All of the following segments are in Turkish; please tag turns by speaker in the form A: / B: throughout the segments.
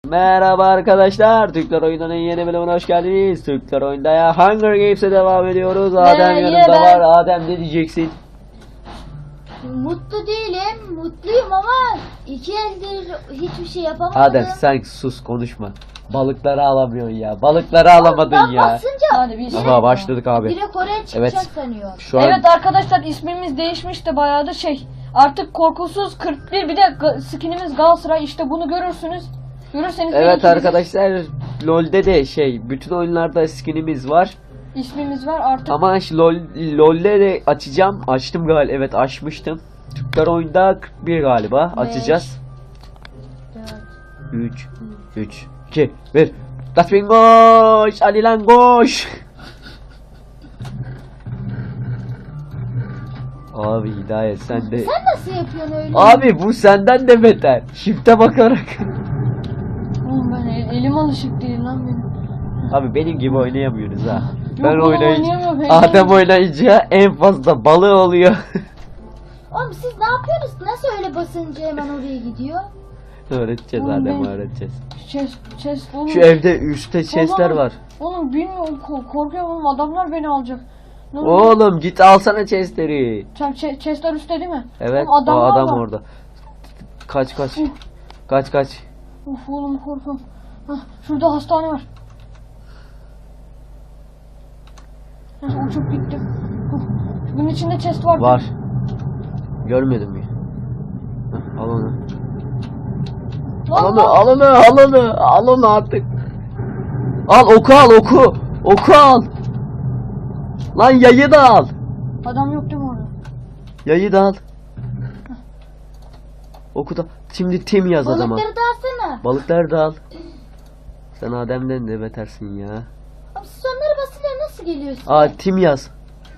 A: Merhaba arkadaşlar, Türkler Oyundan'ın yeni bölümüne hoş geldiniz. Türkler Oyunda ya Hunger Games'e devam ediyoruz. Adem yanımda var. Adem ne diyeceksin?
B: Mutlu değilim, mutluyum ama iki eldir hiçbir şey yapamadım.
A: Adem sen sus, konuşma. Balıkları alamıyorsun ya. Balıkları alamadın ya.
B: Basınca
C: Hadi biz.
A: Aha başladık abi.
B: direkt oraya çıkacak
A: Evet.
B: sanıyor.
A: Şu an
C: Evet arkadaşlar, ismimiz değişmişti bayağı da artık korkusuz 41, bir de skinimiz Galatasaray, işte bunu görürsünüz. Görürseniz
A: evet
C: de
A: arkadaşlar, LoL'de de bütün oyunlarda skinimiz var.
C: ismimiz var artık.
A: Ama LoL'de de açacağım. Açtım galiba. Evet, açmıştım. Türkler Oyunda 41 galiba. Açacağız. 3 2 1. Tasmin koş! Ali lan koş! Abi Hidayet sen de...
B: Sen nasıl yapıyorsun öyle?
A: Abi bu senden de beter. Shift'e bakarak.
C: Oğlum ben elim alışık değil lan benim.
A: Abi benim gibi oynayamıyoruz ha.
C: Yok,
A: Ben
C: oğlum,
A: oynayınca...
C: oynayamıyorum,
A: Adem
C: heyecanlıyım.
A: oynayınca en fazla balığı oluyor.
B: Oğlum siz ne yapıyorsunuz? Nasıl öyle basınca hemen oraya gidiyor?
A: Öğreteceğiz
C: Oğlum
A: Adem,
C: ben-
A: öğreteceğiz.
C: Chest oğlum.
A: Şu evde üstte chestler var.
C: Oğlum bilmiyorum, korkuyorum oğlum, adamlar beni alacak. Ne oluyor?
A: Oğlum git alsana chestleri.
C: Sen chestler üstte değil mi?
A: Evet,
C: Oğlum,
A: o
C: adamlar
A: adam
C: var.
A: orada. Kaç.
C: Uf.
A: Kaç.
C: Of oğlum, korkuyorum. Hah, şurada hastane var. Hah, uçup gittim. Bunun içinde chest var.
A: Var. Görmedim mi? Heh, al onu. Al onu artık. Al oku. Oku al. Lan yayı da al.
C: Adam yok değil mi orada?
A: Yayı da al. Oku da. Şimdi tim yaz adama.
B: Balıkları da alsana.
A: Balıkları da al. Sen Adem'den de betersin ya.
B: Abi siz onları basınca nasıl geliyorsun?
A: Aa, tim yaz.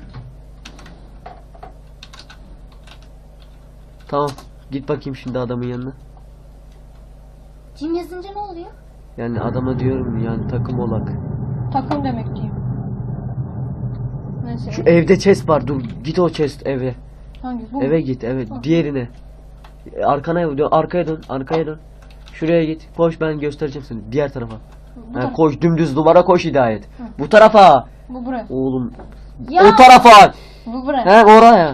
A: Tamam. Git bakayım şimdi adamın yanına.
B: Cim yazınca ne oluyor?
A: Yani adama diyorum, yani takım olak.
C: Takım demek diyeyim. Neyse.
A: Şu evde chest var. Dur git o chest eve.
C: Hangi? Bu
A: Eve
C: mu?
A: git, evet. Diğerine. Arkaya dön. Şuraya git. Koş, ben göstereceğim seni. Diğer tarafa.
C: Bu,
A: Ha,
C: taraf.
A: koş, dümdüz duvara koş Hidayet. Bu tarafa.
C: Bu buraya.
A: Oğlum.
B: Ya.
A: O tarafa.
C: Bu buraya.
A: He, oraya.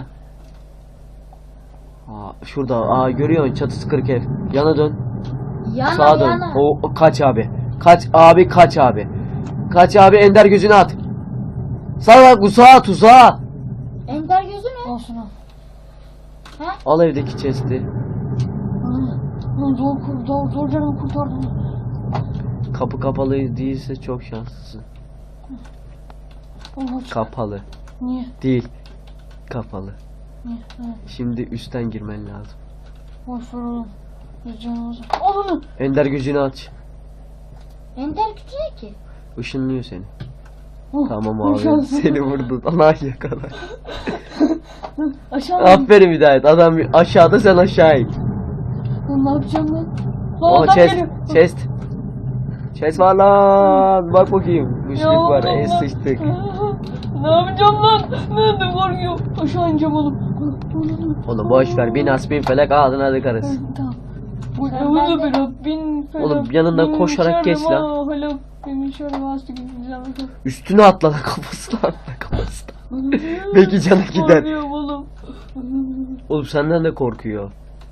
A: Aa, şurada. Aa, görüyorsun, çatısı kırık ev. Yana dön. Sağa dön.
B: Yana.
A: O kaç abi. Kaç abi. Kaç abi, Ender gözünü at. Sağa, tuzağa.
B: Ender gözü ne?
C: Olsun al.
A: Al evdeki chest'i.
C: Lan zor canımı kurtardım.
A: Kapı kapalı değilse çok şanslısın.
C: Oğlum,
A: Kapalı.
C: niye?
A: Değil. Kapalı.
C: Niye? Evet.
A: Şimdi üstten girmen lazım.
C: Boş ver oğlum. Biz canımızı. Al onu.
A: Ender gözünü aç.
B: Ender gücü ne ki?
A: Işınlıyor seni.
C: Oh,
A: Tamam
C: hoş
A: abi.
C: geldin.
A: Seni vurdu. Allah yakala.
C: Aşağı mı?
A: Aferin Hidayet. Adam aşağıda, sen aşağı in.
C: Lan ne yapacağım lan? Lan
A: O
C: adam
A: chest.
C: geliyor.
A: Chest. Chest var lan. Bak bakayım. Müşrik
C: Ya
A: var.
C: Allah.
A: Sıçtık.
C: Ne yapacağım lan? Nerede korkuyor? Aşağı ineceğim oğlum.
A: Oğlum boş ver. Bin asbin felek ağzına dıkarız.
C: Tamam. Bu
B: Ben
C: evde
B: de-
C: bir Rabbin felak.
A: Oğlum yanından
C: bin
A: koşarak geç
C: şerri
A: lan.
C: ma halak, bin şerri ma hastik.
A: Üstüne atla lan, kafasına atla, kafasına. Belki canı gider.
C: Korkuyorum oğlum.
A: Oğlum senden de korkuyor.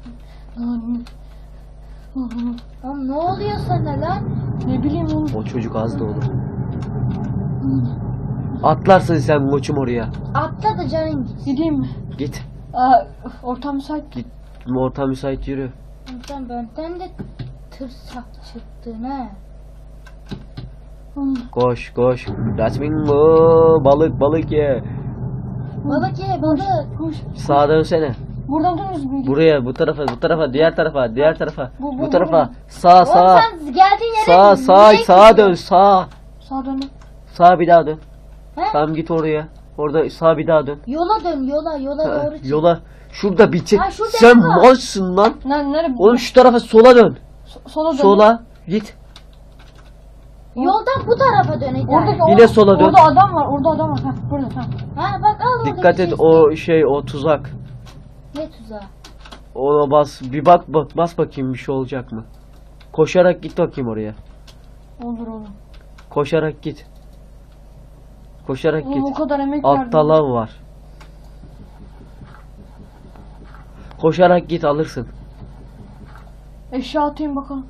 B: Oğlum ne oluyor sana lan?
C: Ne bileyim oğlum.
A: O çocuk az da olur. Atlarsın sen koçum oraya.
B: Atla da canın gitsin.
C: Gideyim mi?
A: Git.
C: Ortam müsait.
A: Git. Orta müsait, yürü.
B: Sen benden de tırsak çıktın ha.
A: Koş. Rasmin bu. Balık ye.
B: Balık ye balık.
C: Koş.
A: Sağa dönsene.
C: Buradan dönüyoruz mu?
A: Buraya, bu tarafa, diğer tarafa.
C: Bu
A: Bu tarafa.
C: buraya.
A: Sağ.
B: Oğlum sen geldiğin yere
A: Sağa dön, sağa.
C: Sağa dön.
A: Sağa bir daha dön.
B: He?
A: Tamam, git oraya. Orada sağa bir daha dön.
B: Yola dön yola
A: Ha,
B: doğru çık.
A: yola. Şurada bir çek.
B: Ha, şurada
A: Sen
B: var.
A: malsın lan.
C: Nerede?
A: Oğlum şu tarafa, sola dön.
C: Sola dön.
A: Sola. Git.
B: Yoldan bu tarafa dön Eder.
C: Oradaki
A: Yine sola dön.
C: Orada adam var. Ha, burada. Ha.
B: Ha bak al oradaki
A: Dikkat et,
B: chest'i.
A: o tuzak.
B: Ne tuzağı?
A: Ona bas, bir bas bakayım, bir şey olacak mı? Koşarak git bakayım oraya.
C: Olur olur.
A: Koşarak git. Koşarak
C: Oğlum o
A: git.
C: kadar emek verdim.
A: Altta lav var. Koşarak git alırsın.
C: Eşya atayım bakalım.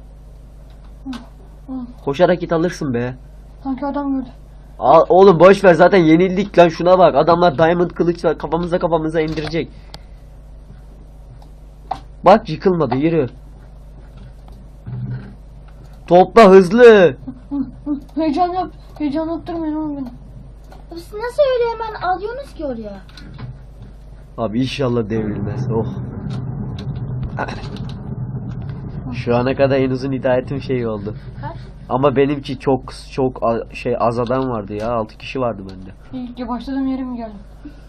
A: Koşarak git alırsın be.
C: Sanki adam gördü.
A: Oğlum boş ver zaten yenildik lan, şuna bak. Adamlar diamond kılıç var, kafamıza indirecek. Bak yıkılmadı, yürü. Topla hızlı.
C: Heyecan yap. Heyecan yaptırmayın oğlum beni.
B: Siz nasıl öyle hemen alıyorsunuz ki oraya?
A: Abi inşallah devrilmez. Oh. Şu ana kadar en uzun hidayetim şey oldu.
B: Kaç?
A: Ama benimki çok az adam vardı ya. 6 kişi vardı bende.
C: İlk başladığım yere mi geldim?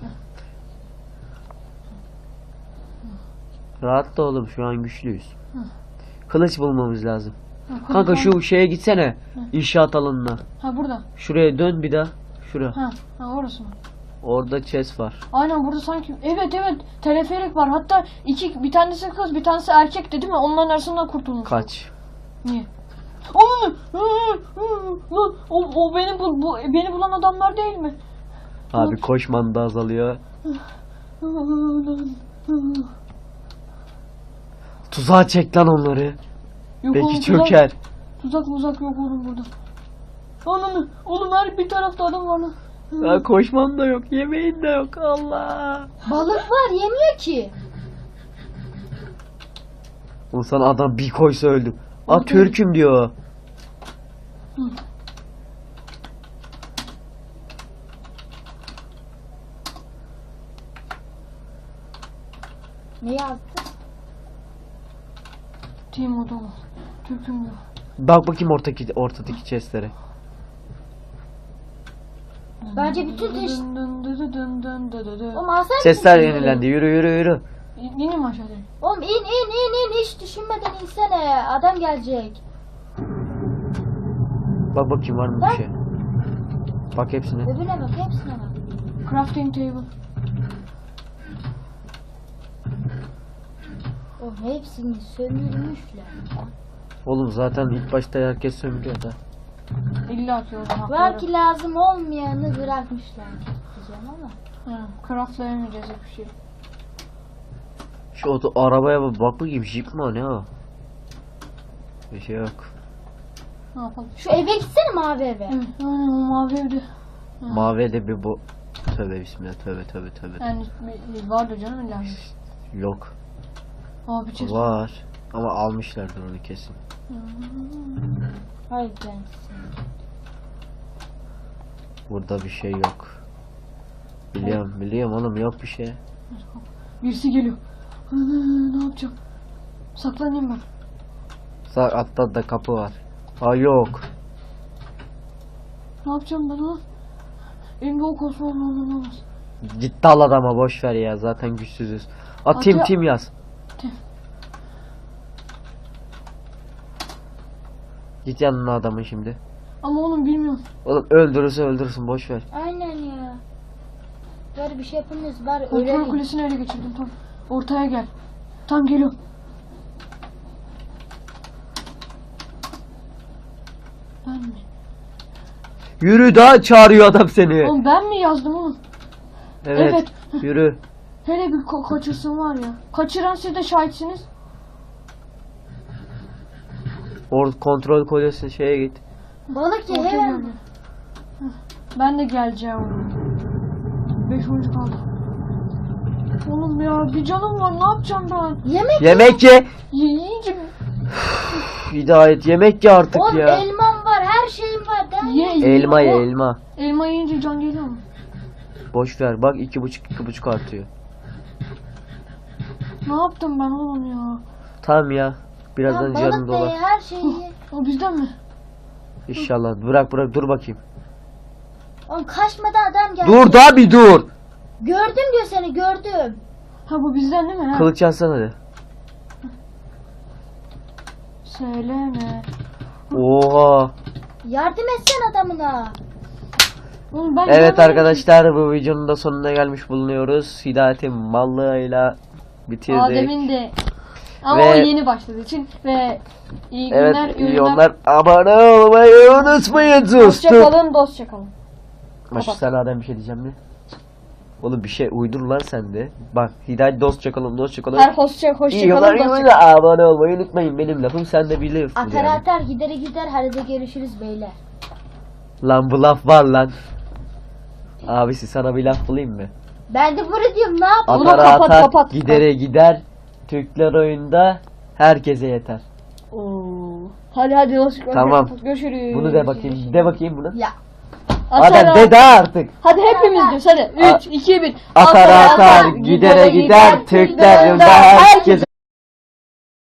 A: Rahat da oğlum, şu an güçlüyüz. Kılıç bulmamız lazım.
C: Ha,
A: Kanka şu şeye gitsene. İnşaat alanına.
C: Ha burada.
A: Şuraya dön bir daha. Şura.
C: Ha orası mı?
A: Orada chest var.
C: Aynen burada sanki. Evet teleferik var. Hatta bir tanesi kız bir tanesi erkekti değil mi? Onların arasından kurtulmuş.
A: Kaç.
C: Niye? Onu o beni bulan adamlar değil mi?
A: Abi koşman da azalıyor. Tuzağa çek lan onları.
C: Yok
A: Belki
C: oğlum,
A: çöker.
C: Tuzak yok oğlum burada. Oğlum her bir tarafta adam var lan.
A: Ya koşman da yok, yemeğin de yok. Allah.
B: Balık var yemiyor ki.
A: Oğlum sana adam bir koysa öldüm. Aa Türk'üm diyor.
B: Ne yazdı?
C: Team odama. Türk'üm diyor.
A: Bak bakayım ortadaki chestlere.
B: Bence bütün Oğlum alsana.
A: Chestler yenilendi. Yürü.
C: İnin mi aşağıya?
B: Oğlum in hiç düşünmeden insene. Adam gelecek.
A: Bak bakayım var mı bir şey. Bak hepsine.
B: Öbürüne bak hepsine bak.
C: Crafting table.
B: Oğlum hepsini sömürmüşler.
A: Oğlum zaten ilk başta herkes sömürüyor da.
C: İlla ki oradan
B: Belki lazım olmayanı bırakmışlar. Diyeceğim ama.
C: Craftlayamayacağız hiçbir şey.
A: Şu arabaya bak bakayım, jeep mi o, ne o? Bir şey yok.
C: Ne yapalım?
B: Şu eve gitsene mavi eve.
C: Evet, aynen o mavi evde.
A: Mavi de bir bu. Tövbe bismillah, tövbe.
C: Yani bir vardı canım illa.
A: Yok.
C: Abi çiz.
A: Var. Ama almışlardır onu kesin.
B: Hayır ben.
A: Burada bir şey yok. Biliyorum oğlum, yok bir şey.
C: Birisi geliyor. Ne yapacağım? Saklanayım ben.
A: Sağ altta da kapı var. Aa yok.
C: Ne yapacağım ben ha? Elimde o kosmos olmaz.
A: Git dal adama, boş ver ya, zaten güçsüzüz. Tim yaz.
C: Tim.
A: Git yanına adamın şimdi.
C: Ama oğlum bilmiyorum.
A: Oğlum öldürürsün, boş ver.
B: Aynen ya. Böyle bir şey yapamıyoruz. Bari
C: Kontrol
B: ölelim.
C: kulesini ele geçirdim tam. Ortaya gel. Tam geliyorum. Ben mi?
A: Yürü, daha çağırıyor adam seni.
C: Oğlum ben mi yazdım oğlum?
A: Evet. Yürü.
C: Hele bir kaçırsın var ya. Kaçıran siz de şahitsiniz.
A: Kontrol kolyesi şeye git.
B: Balık ye
C: Orta
B: hemen.
C: görünüyor. Heh, ben de geleceğim oğlum. 5 oyuncu kaldı. Oğlum ya bir canım var, ne yapacağım ben?
A: Yemek ye.
C: Yiyince
A: Hidayet, yemek ye artık
B: Oğlum
A: ya.
B: elmam var, her şeyim var.
A: Elma ye, elma.
C: Elma yiyince can geliyor mu?
A: Boş ver, bak 2,5 artıyor.
C: Ne yaptım ben oğlum ya?
A: Tamam ya. Birazdan
B: Balık
A: canım
B: da ye,
A: dolar.
B: her şeyi ye.
C: O bizden mi?
A: İnşallah. Bırak dur bakayım.
B: Oğlum kaçmadan adam geldi.
A: Dur da bir dur.
B: Gördüm diyor seni, gördüm.
C: Ha bu bizden değil mi? Ha?
A: Kılıç alsana hadi.
C: Söyleme.
A: Oha.
B: Yardım etsen adamına.
C: Oğlum ben
A: Evet
C: görmedim
A: arkadaşlar, bu videonun da sonuna gelmiş bulunuyoruz. Hidayet'in mallığıyla
C: ki.
A: bitirdik.
C: Adem'in de Ama
A: Ve-
C: o yeni başladığı için ve iyi günler,
A: Evet iyi onlar. Abone olmayı unutmayın dostum.
C: Hoşçakalın, dostça kalın.
A: Maşa
C: Kapat.
A: sen Adem bir şey diyeceğim mi? Oğlum bir şey uydur lan sen de. Bak Hidayet dostça kalın dostça kalın.
C: Her hoşça
A: İyi günler
C: kalın, dostça
A: iyi
C: kalın.
A: abone olmayı unutmayın benim lafım sen de biliyorsun
B: Atar
A: yani.
B: atar gidere gider hadi de görüşürüz beyler.
A: Lan bu laf var lan. Abisi sana bir laf bulayım mı?
B: Ben de bunu diyorum ne yapayım?
C: Bunu
A: Atara
C: kapat,
A: atar
C: kapat.
A: gidere gider. Türkler oyunda herkese yeter.
C: Oo. Hadi dostça kalın.
A: Tamam.
C: Görüşürüz.
A: Bunu de bakayım. De bakayım bunu.
B: Ya
A: Adem de daha artık.
C: Hadi hepimiz diyoruz hadi. 3, 2, 1.
A: Atar atar gidere gider Türkler oyunda herkese